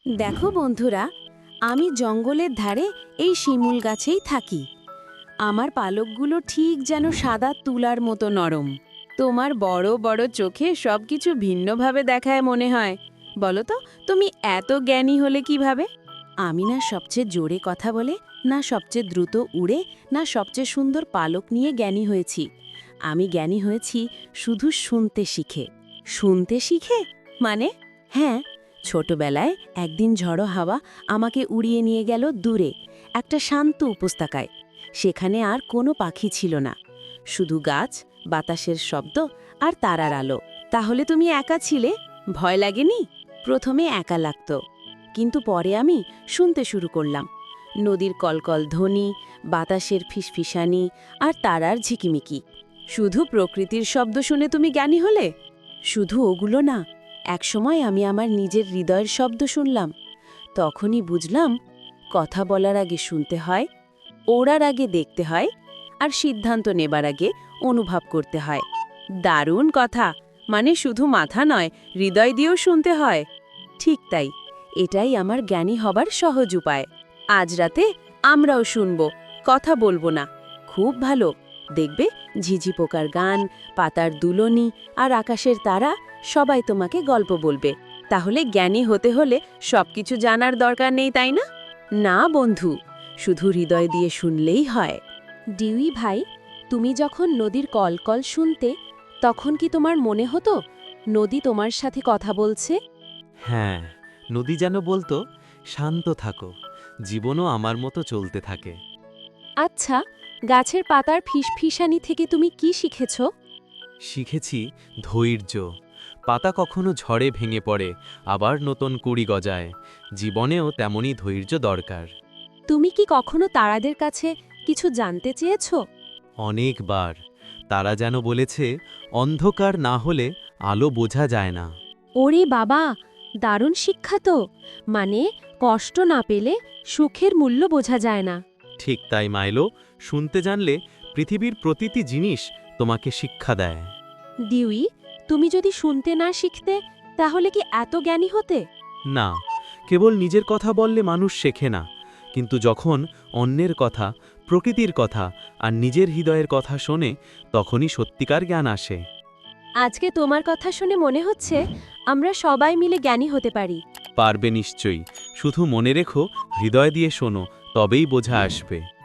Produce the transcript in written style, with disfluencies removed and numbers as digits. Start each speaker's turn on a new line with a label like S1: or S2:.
S1: দেখো বন্ধুরা, আমি জঙ্গলের ধারে এই শিমুল গাছেই থাকি। আমার পালকগুলো ঠিক যেন সাদা তুলার মতো নরম। তোমার বড় বড় চোখে সবকিছু ভিন্নভাবে দেখায় মনে হয়। বলো তো, তুমি এত জ্ঞানী হলে কিভাবে? আমি না সবচেয়ে জোরে কথা বলে, না সবচেয়ে দ্রুত উড়ে, না সবচেয়ে সুন্দর পালক নিয়ে জ্ঞানী হয়েছি। আমি জ্ঞানী হয়েছি শুধু শুনতে শিখে। শুনতে শিখে মানে? হ্যাঁ, ছোটবেলায় একদিন ঝড়ো হাওয়া আমাকে উড়িয়ে নিয়ে গেল দূরে একটা শান্ত উপত্যকায়। সেখানে আর কোনো পাখি ছিল না, শুধু গাছ, বাতাসের শব্দ আর তারার আলো। তাহলে তুমি একা ছিলে? ভয় লাগেনি? প্রথমে একা লাগতো, কিন্তু পরে আমি শুনতে শুরু করলাম। নদীর কলকল ধ্বনি, বাতাসের ফিসফিসানি আর তারার ঝিকিমিকি। শুধু প্রকৃতির শব্দ শুনে তুমি জ্ঞানী হলে? শুধু ওগুলো না, একসময় আমি আমার নিজের হৃদয়ের শব্দ শুনলাম। তখনই বুঝলাম, কথা বলার আগে শুনতে হয়, ওড়ার আগে দেখতে হয়, আর সিদ্ধান্ত নেবার আগে অনুভব করতে হয়। দারুণ কথা! মানে শুধু মাথা নয়, হৃদয় দিয়েও শুনতে হয়। ঠিক তাই, এটাই আমার জ্ঞানী হবার সহজ উপায়। আজ রাতে আমরাও শুনব, কথা বলবো না। খুব ভালো, দেখবে ঝিঝি পোকার গান, পাতার দুলনি আর আকাশের তারা সবাই তোমাকে গল্প বলবে। তাহলে জ্ঞানী হতে হলে সবকিছু জানার দরকার নেই, তাই না? না বন্ধু, শুধু হৃদয় দিয়ে শুনলেই হয়। ডিউই ভাই, তুমি যখন নদীর কলকল শুনতে, তখন কি তোমার মনে হতো নদী তোমার সাথে কথা বলছে?
S2: হ্যাঁ, নদী যেন বলতো, শান্ত থাকো, জীবনও আমার মতো চলতে থাকে।
S1: আচ্ছা, গাছের পাতার ফিসফিসানি থেকে তুমি কি শিখেছ?
S2: শিখেছি ধৈর্য। পাতা কখনো ঝড়ে ভেঙে পড়ে, আবার নতুন কুড়ি গজায়। জীবনেও তেমনই ধৈর্য দরকার।
S1: তুমি কি কখনো তারাদের কাছে কিছু জানতে চেয়েছ?
S2: অনেকবার তারা যেন বলেছে, অন্ধকার না হলে আলো বোঝা যায় না।
S1: ওরে বাবা, দারুণ শিক্ষা তো! মানে কষ্ট না পেলে সুখের মূল্য বোঝা যায় না।
S2: ঠিক তাই মাইলো, শুনতে জানলে পৃথিবীর প্রতিটি জিনিস তোমাকে শিক্ষা দেয়।
S1: ডিউই, তুমি যদি শুনতে না শিখতে, তাহলে কি এত জ্ঞানী হতে?
S2: না, কেবল নিজের কথা বললে মানুষ শেখে না, কিন্তু যখন অন্যের কথা, প্রকৃতির কথা আর নিজের হৃদয়ের কথা শোনে, তখনই সত্যিকার জ্ঞান আসে।
S1: আজকে তোমার কথা শুনে মনে হচ্ছে আমরা সবাই মিলে জ্ঞানী হতে পারি।
S2: পারবে নিশ্চয়ই, শুধু মনে রেখো, হৃদয় দিয়ে শোনো, তবেই বোঝা আসবে।